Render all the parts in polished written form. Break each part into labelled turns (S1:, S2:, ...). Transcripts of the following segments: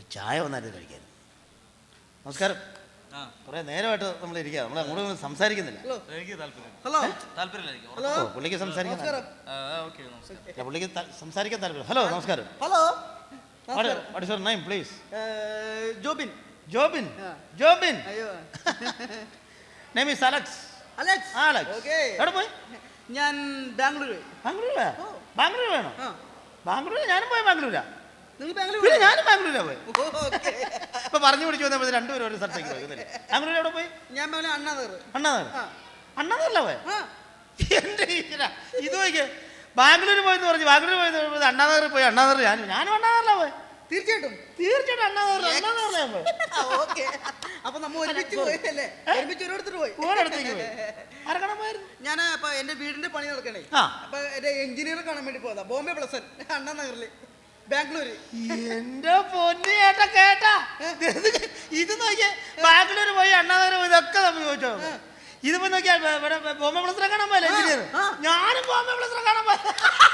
S1: ചായ വന്നായിട്ട് കഴിക്കാൻ. നമസ്കാരം. കുറെ നേരമായിട്ട് നമ്മൾ ഇരിക്കുക, നമ്മൾ അങ്ങോട്ട് സംസാരിക്കുന്നില്ല.
S2: ഹലോ,
S1: പുള്ളിക്ക് സംസാരിക്കാൻ പുള്ളിക്ക് സംസാരിക്കാൻ താല്പര്യം. ഹലോ, നമസ്കാരം.
S2: Hello.
S1: What is your name, please?
S2: Jobin.
S1: Jobin. Jobin. Name is Alex.
S2: Alex.
S1: Alex. എവിടെ പോയി?
S2: ഞാൻ ബാംഗ്ലൂർ.
S1: ബാംഗ്ലൂരാ? ബാംഗ്ലൂർ വേണോ? ബാംഗ്ലൂർ ഞാനും പോയി. ബാംഗ്ലൂരാ?
S2: ബാംഗ്ലൂർ.
S1: ഞാനും ബാംഗ്ലൂരാ പോയി. ഇപ്പൊ പറഞ്ഞു പിടിച്ചു വന്നപ്പോൾ രണ്ടുപേരും ഒരു സ്ഥലത്തേക്ക് പോയി. ബാംഗ്ലൂർ എവിടെ പോയി?
S2: ഞാൻ അണ്ണാനഗർ.
S1: അണ്ണാനഗറിലാ പോയി? എന്റെ ഇത് നോക്കിയേ, ബാംഗ്ലൂർ പോയെന്ന് പറഞ്ഞു. ബാംഗ്ലൂർ പോയി അണ്ണാനഗറിൽ പോയി. അണ്ണാനഗർ ഞാനും അണ്ണാനഗറിലാ പോയി.
S2: തീർച്ചയായിട്ടും
S1: അണ്ണാനഗറിലാ പോയി.
S2: അപ്പൊ നമ്മ ഒരുമിച്ച് പോയല്ലേ? ഒരുമിച്ച് ഒരിടത്തോട്ട് പോയി.
S1: ഓരോടത്തേക്ക് പോയി. ആരക്കണം പോയിരുന്നു?
S2: ഞാൻ അപ്പൊ എന്റെ വീടിന്റെ പണി നടക്കണേ. അപ്പൊ എന്റെ എഞ്ചിനീയർ കാണാൻ വേണ്ടി പോയതാ. ബോംബെ പ്ലസൻ അണ്ണാനഗറില്, ബാംഗ്ലൂര്.
S1: എന്റെ പൊന്നു ചേട്ടാ, കേട്ടാ ഇത് നോക്കിയേ, ബാംഗ്ലൂർ പോയി അണ്ണാനഗർ പോയി, ഇതൊക്കെ നമ്മൾ ചോദിച്ചോ. ഇതിപ്പോ നോക്കിയാ ഇവിടെ ബോംബെ പ്ലസറെ കാണാൻ പോയല്ലേ എഞ്ചിനീയർ? ഞാനും ബോംബെ പ്ലസറെ കാണാൻ പോയ.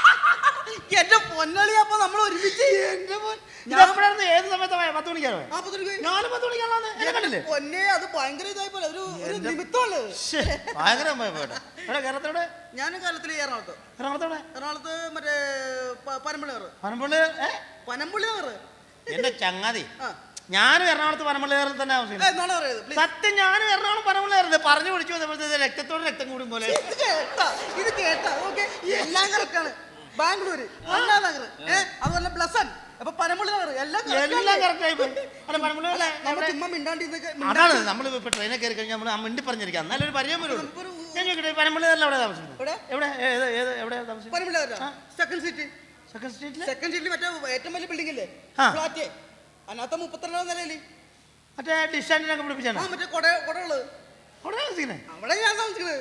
S2: എന്റെ പൊന്നളി, അപ്പൊ നമ്മൾ ഒരുമിച്ച്.
S1: എന്റെ എപ്പോഴായിരുന്നു? ഏത് സമയത്ത്? 10 മണിക്കാണോ? ഞാനും 10 മണിക്കാണോ?
S2: പൊന്നെ, അത് ഭയങ്കര ഇതായി പോലെ ഒരു നിമിത്തമുള്ളു.
S1: ഭയങ്കര ഇവിടെ കേരളത്തോടെ.
S2: ഞാൻ കേരളത്തില്
S1: എറണാകുളത്തോടെ.
S2: എറണാകുളത്ത് മറ്റേ പനമ്പള്ളി നഗർ. പനമ്പള്ളി നഗർ.
S1: എന്റെ ചങ്ങാതി, ഞാനും എറണാകുളത്ത് പനമ്പള്ളി നഗറിൽ തന്നെ താമസിക്കുന്നത്. സത്യം, ഞാനും എറണാകുളം പനമ്പള്ളി നഗറിൽ പറഞ്ഞു പിടിച്ചു വന്നപ്പോഴത്തെ രക്തത്തോട് രക്തം കൂടും പോലെ.
S2: ഇത് കേട്ടാ ഓക്കെ, എല്ലാം കറക്റ്റാണ്. ബാംഗ്ലൂര്, അണ്ണാനഗർ, അതുപോലെ പ്ലസൻ, അപ്പൊ പനമ്പള്ളി നഗർ, എല്ലാം
S1: കറക്റ്റായി പോയി.
S2: ചുമ്മാ മിണ്ടാണ്ടി.
S1: അതാണ് നമ്മൾ ഇപ്പൊ ട്രെയിനിൽ കയറി കഴിഞ്ഞാൽ നമ്മൾ മിണ്ടി പറഞ്ഞിരിക്കാം, നല്ലൊരു പരിചയം വരുള്ളൂ. പനമ്പള്ളി നഗറിൽ എവിടെ താമസിക്കുന്നത്? എവിടെ താമസിക്കുന്നത്?
S2: Panampilly Nagar second street. Second സ്ട്രീറ്റിൽ മറ്റേ ഏറ്റവും വലിയ ബിൽഡിംഗ് അല്ലേ, ഫ്ലാറ്റ്. അതിനകത്ത് 32ാം നിലയില്
S1: മറ്റേ ഡിസ്റ്റാൻഡിനൊക്കെ പിടിപ്പിച്ചാണ്.
S2: മറ്റേ കൊടകള് അവിടെ ഞാൻ താമസിക്കുന്നത്.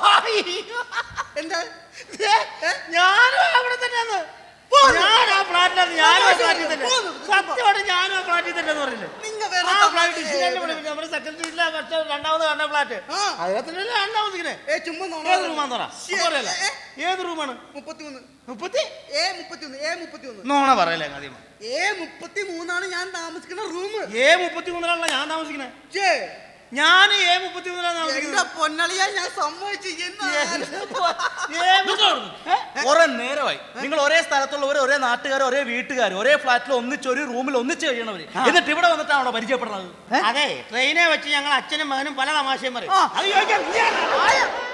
S2: എന്താ
S1: ഞാനും അവിടെ തന്നെയാണ്. ഞാൻ ആ ഫ്ലാറ്റിലാണ്. ഞാനും ആ ഫ്ലാറ്റിൽ തന്നെ. സത്യമാണ്, ഞാനും ആ ഫ്ലാറ്റിൽ തന്നെ പറഞ്ഞില്ലേ. നമ്മുടെ സെക്കൻഡ് സ്ട്രീറ്റിലെ പക്ഷേ രണ്ടാമത് കാണുന്ന ഫ്ലാറ്റ്, അതിനകത്തല്ലേ ഞാൻ താമസിക്കുന്നത്. ഏത് റൂമാന്ന് പറ. ഏത് റൂമാണ്?
S2: 33.
S1: നോണ പറയല്ലേ ആദ്യം.
S2: A33 ഞാൻ താമസിക്കുന്ന റൂം.
S1: A33 ഞാൻ താമസിക്കുന്നത്. ഞാൻ A33 താമസിക്കുന്നത്.
S2: പൊന്നളിയാ, ഞാൻ സമ്മതിച്ചു.
S3: കുറെ നേരമായി നിങ്ങൾ ഒരേ സ്ഥലത്തുള്ളവർ, ഒരേ നാട്ടുകാർ, ഒരേ വീട്ടുകാർ, ഒരേ ഫ്ലാറ്റിൽ ഒന്നിച്ച് ഒരു റൂമിൽ ഒന്നിച്ച് കഴിയണവര്, എന്നിട്ട് ഇവിടെ വന്നിട്ടാണോ പരിചയപ്പെടുന്നത്?
S1: അതെ, ട്രെയിനെ വെച്ച് ഞങ്ങൾ അച്ഛനും മകനും പല തമാശയും പറയും. അത് ചോദിക്കാം.